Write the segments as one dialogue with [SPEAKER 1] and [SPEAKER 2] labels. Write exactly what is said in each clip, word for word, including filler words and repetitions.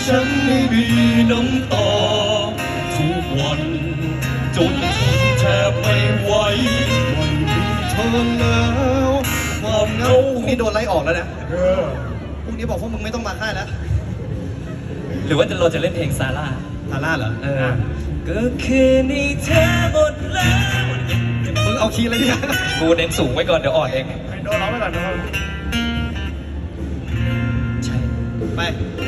[SPEAKER 1] ฉันไม่มีน้ำตาทุกวันจนทนแทบไม่ไหวไม่มีเธอแล้วความเหงาพรุ่งนี้โดนไล่ออกแล้วนะพรุ่งนี้บอกพวกมึงไม่ต้องมาค่ายแล้ว
[SPEAKER 2] หรือว่าเราจะเล่นเพลงซาร่า
[SPEAKER 1] ซาร่าเหรอ
[SPEAKER 2] เออก็คือในเธอหมดแล้ว
[SPEAKER 1] มึงเอาคีย์อะไรเนี่ย
[SPEAKER 2] กูเน้นสูงไว้ก่อนเดี๋ยวอ่อนเอง
[SPEAKER 3] ให้โดนร้องไปก่อนนะ
[SPEAKER 2] ใช่
[SPEAKER 1] ไป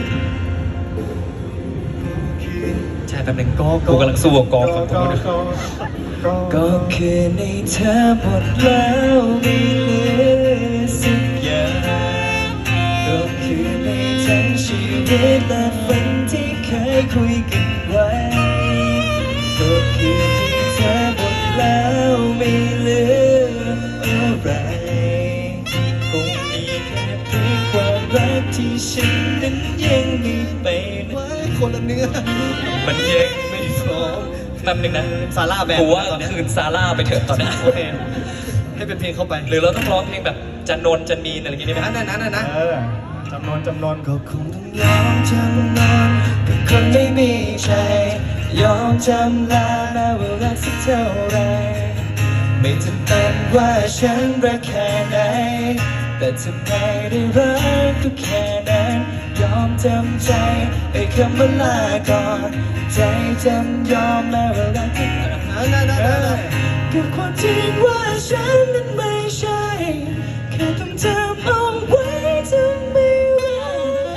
[SPEAKER 2] ใช่แป๊บนึงก็กูกำลังสู้กับกองของกูด้วยก็คือในเธอหมดแล้วไม่เหลือสักอย่างก็คือในทั้งชีวิตและฝันที่เคยคุยกันไว้ก็คือที่เธอหมดแล้วไม่เหลืออะไรคงมีแค่เพียงความรักที่ฉันนั้นยังมีไปนะ
[SPEAKER 1] คนละเนื้อ
[SPEAKER 2] มันยังไม่พร้อมแป๊บนึงนะ
[SPEAKER 1] ซาร่าแบน
[SPEAKER 2] กูว่าคืนซาร่าไปเถอะตอนนี้
[SPEAKER 1] โอเคให้เป็นเพลงเข้าไป
[SPEAKER 2] หรือเราต้องร้องเพลงแบบจันนนจันมีอะไรอย่างงี้ได้ไหม
[SPEAKER 1] นั่นนั่นนั่นนะ
[SPEAKER 3] จำนวนจำนวน
[SPEAKER 1] ก็คงต้องยอมจำนนกับคนไม่มีใจยอมจำลาแม้ว่ารักสักเท่าไรไม่จำเป็นว่าฉันรักแค่ไหนแต่ทำไมได้รักก็แค่นั้นยอมจำใจไอ้คำว่าลาก่อนใจจำยอมแม้ว่ารักที่นั่นนั่นนั่นกับความจริงว่าฉันนั้นไม่ใช่แค่ต้องจำเอาไว้จะไม่รัก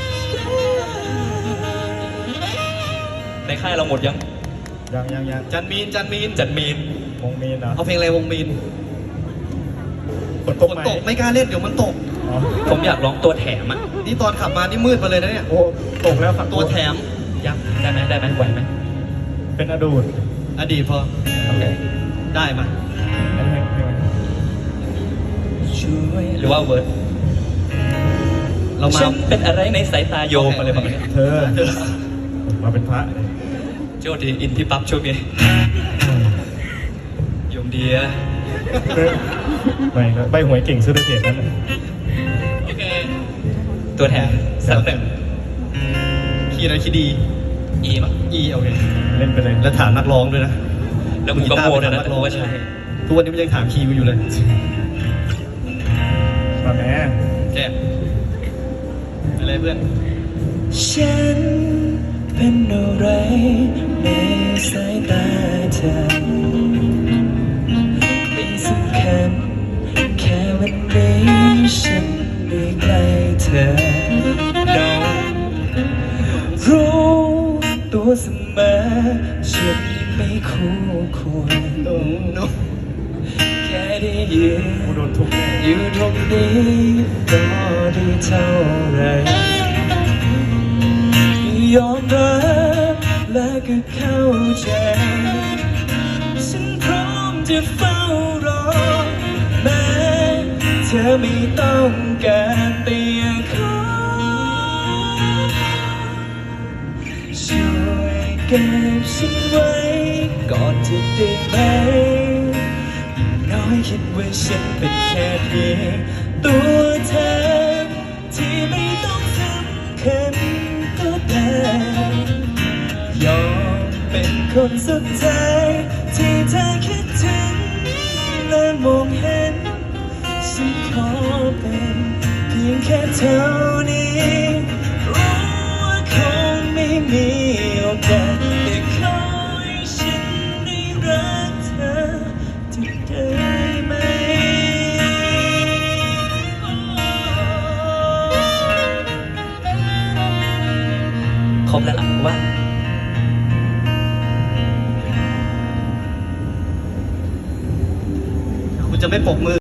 [SPEAKER 2] ในค่ายเราหมดยัง
[SPEAKER 3] ยังยังยัง
[SPEAKER 1] จันมีนจันมีน
[SPEAKER 2] จันมีน
[SPEAKER 3] วงมีนนะ
[SPEAKER 1] เอาเพลงอะไรวงมีน
[SPEAKER 3] ฝนตก
[SPEAKER 1] ตกไม่กล้าเล่นเดี๋ยวมันตก
[SPEAKER 2] ผมอยากร้องตัวแถมอ่ะ
[SPEAKER 1] นี่ตอนขับมานี่มืดไปเลยนะเนี่ย
[SPEAKER 3] โอ้ตกแล้วฝัน
[SPEAKER 1] ตัวแถม
[SPEAKER 2] ยับได้ไหมได้ไหมไหวไหม
[SPEAKER 3] เป็นอดีต
[SPEAKER 1] อดีตพอ
[SPEAKER 2] โอเค
[SPEAKER 1] ได้มา
[SPEAKER 2] ช่วยหรือว่าเวิร์ด
[SPEAKER 1] เรามา
[SPEAKER 2] ฉันเป็นอะไรในสายตาโยมอะไรแบบนี้
[SPEAKER 3] เธอมาเป็นพระ
[SPEAKER 2] โจดีอินพี่ปั๊บช่วงนี้โยมเดีย
[SPEAKER 3] ไม่ใบหวยเก่งซื้อได้เก่งนั่น
[SPEAKER 1] โอเค
[SPEAKER 2] ตัวแถมสักหนึ่ง
[SPEAKER 1] คีย์อะไรคีย์ดี
[SPEAKER 2] อีมั้ง
[SPEAKER 1] อีโอเค
[SPEAKER 3] เล่นไปเลย
[SPEAKER 1] แล้วถามนักร้องด้วยนะ
[SPEAKER 2] แล้วมึงก็โง่ด้วยนะ
[SPEAKER 1] ว่าใช่ทุกวันนี้มันยังถามคีย์อยู่เลย
[SPEAKER 3] ตอนแม่
[SPEAKER 1] แจ๊อะไรเพื่อน
[SPEAKER 2] ฉันเป็นอะไรในสายตาเธอไม่สำคัญแค่วันนี้ฉันได้ใกล้เธอน้องรู้ตัวเสมอฉันไม่คู่ควรแค่ได้ยืนอยู่ตรงนี้ก็ได้เท่าไรยอมรับและก็เข้าใจฉันพร้อมจะเฝ้ารอแม้เธอไม่ต้องการแต่ยังขอช่วยเก็บฉันไว้ก่อนจะได้ไหมอย่างน้อยคิดว่าฉันเป็นแค่เพียงตัวเธอที่ไม่ต้องสำคัญก็ได้ยอมเป็นคนสุดท้ายที่เธอคิดถึงและมองเห็นฉันขอเป็นเพียงแค่เท่านี้รู้ว่าคงไม่มีโอกาสแต่ขอให้ฉันได้รักเธอจะได้ไหมครบแล้วล่ะว่าคุณจะไม่ปกมือ